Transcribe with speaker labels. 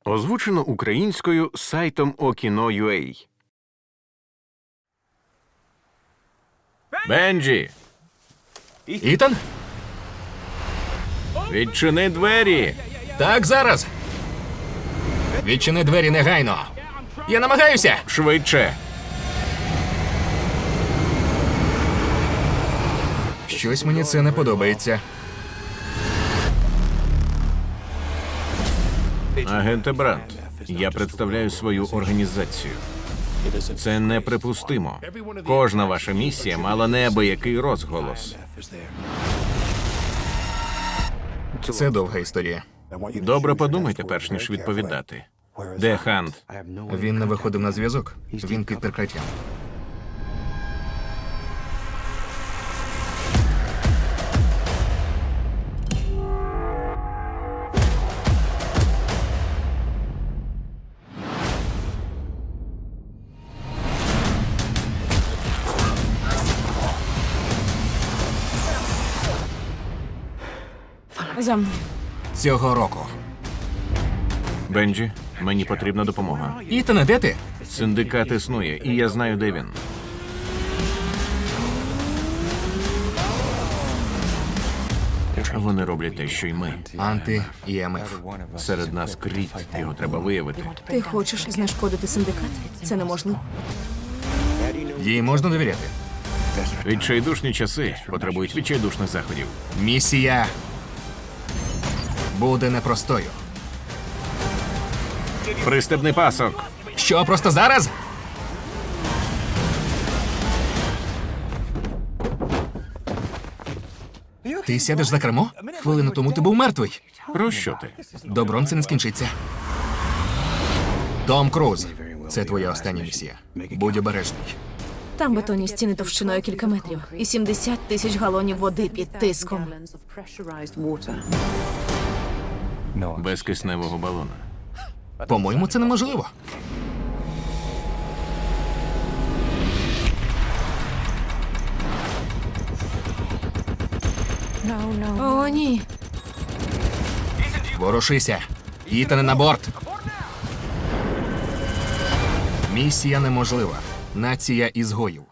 Speaker 1: Озвучено українською сайтом Okino.ua. Бенджі,
Speaker 2: Ітан?
Speaker 1: відчини двері!
Speaker 2: Так, зараз. Відчини двері негайно. Я намагаюся.
Speaker 1: Швидше!
Speaker 2: Щось мені це не подобається.
Speaker 1: Агенте Брант, я представляю свою організацію. Це неприпустимо. Кожна ваша місія мала неабиякий розголос.
Speaker 2: Це довга історія.
Speaker 1: Добре подумайте, перш ніж відповідати. Де Хант?
Speaker 2: Він не виходив на зв'язок. Він під прикриттям.
Speaker 3: За мною.
Speaker 2: Цього року.
Speaker 1: Бенджі, мені потрібна допомога.
Speaker 2: Ітане, де ти?
Speaker 1: Синдикат існує, і я знаю, де він. Вони роблять те, що й ми.
Speaker 2: Анти-ІМФ.
Speaker 1: Серед нас кріт, його треба виявити.
Speaker 3: Ти хочеш знешкодити синдикат? Це неможливо.
Speaker 2: Їй можна довіряти.
Speaker 1: Відчайдушні часи потребують відчайдушних заходів.
Speaker 2: Місія буде непростою.
Speaker 1: Пристебний пасок.
Speaker 2: Що, просто зараз? Ти сядеш за кермо? Хвилину тому ти був мертвий.
Speaker 1: Про що ти?
Speaker 2: Добром це не скінчиться. Том Круз. Це твоя остання місія. Будь обережний.
Speaker 3: Там бетонні стіни товщиною кілька метрів і 70 тисяч галонів води під тиском.
Speaker 1: Без кисневого балона.
Speaker 2: По-моєму, це неможливо.
Speaker 3: О, ні.
Speaker 2: Ворушися. Ітане на борт. Місія неможлива. Нація ізгоїв.